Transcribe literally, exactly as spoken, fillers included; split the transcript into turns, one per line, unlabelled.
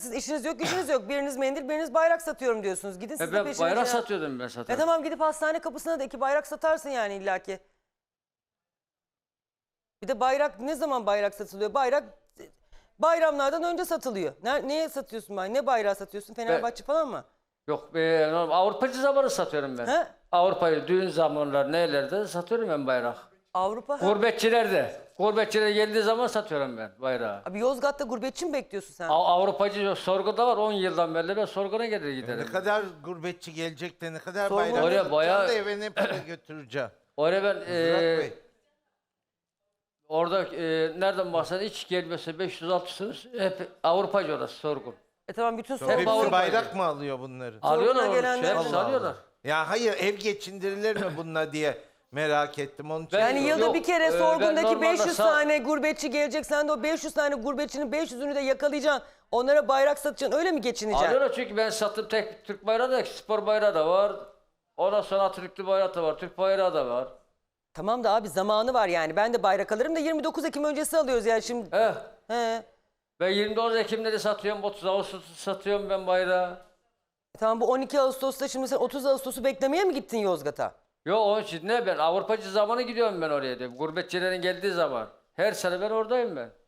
siz işiniz yok, gücünüz yok. Biriniz mendil, biriniz bayrak satıyorum diyorsunuz. Gidin siz
E
de
ben
peşinizden.
bayrak satıyordum ben zaten.
E tamam, gidip hastane kapısına da iki bayrak satarsın yani illaki. Bir de bayrak, ne zaman bayrak satılıyor? Bayrak bayramlardan önce satılıyor. Ne, neye satıyorsun bay? Ne bayrağı satıyorsun? Fenerbahçe falan mı?
Yok be, Avrupacı zamanı satıyorum ben.
He?
Avrupa'yı düğün zamanlar nelerde satıyorum ben bayrak.
Avrupa. Ha.
Gurbetçilerde. Gurbetçiler geldiği zaman satıyorum ben bayrağı.
Abi Yozgat'ta gurbetçi mi bekliyorsun sen?
Av- Avrupacı yok, sorguda var on yıldan beri ben sorguna gelir giderim.
Ne kadar gurbetçi gelecek de ne kadar
Sorma.
bayram
Oraya
yapacağım
bayağı-
da eve ne para götüreceğim.
Oraya ben
Murat
e,
Bey.
orada e, nereden baksan hiç gelmese beş yüz altı yüz hep Avrupacı orası sorgun.
E tamam, bütün
Hep
sorumluluğu...
Avrupa-
hepsi bayrak mı alıyor bunları?
Alıyorlar onu,
gelenler-
hepsi
Allah
alıyorlar.
Allah. Ya hayır, ev geçindirilir mi bununla diye merak ettim. Onun için
Ben-
Yani yılda
Yok,
bir kere
e, ben
sorgundaki
normalde
beş yüz
sağ-
tane gurbetçi gelecek. Sen de o beş yüz tane gurbetçinin beş yüzünü de yakalayacaksın. Onlara bayrak satacaksın. Öyle mi geçineceksin?
Alıyorlar çünkü ben sattım tek Türk bayrağı da spor bayrağı da var. Ondan sonra Atatürk'lü bayrağı da var, Türk bayrağı da var.
Tamam da abi, zamanı var yani. Ben de bayrak alırım da yirmi dokuz Ekim öncesi alıyoruz yani şimdi.
He.
He.
Ben yirmi dokuz Ekim'leri satıyorum, otuz Ağustos'u satıyorum ben bayrağı.
E tamam, bu on iki Ağustos'ta şimdi sen otuz Ağustos'u beklemeye mi gittin Yozgat'a?
Yo onun için ne, ben Avrupacı zamanı gidiyorum ben oraya diyorum. Gurbetçilerin geldiği zaman. Her sene ben oradayım ben.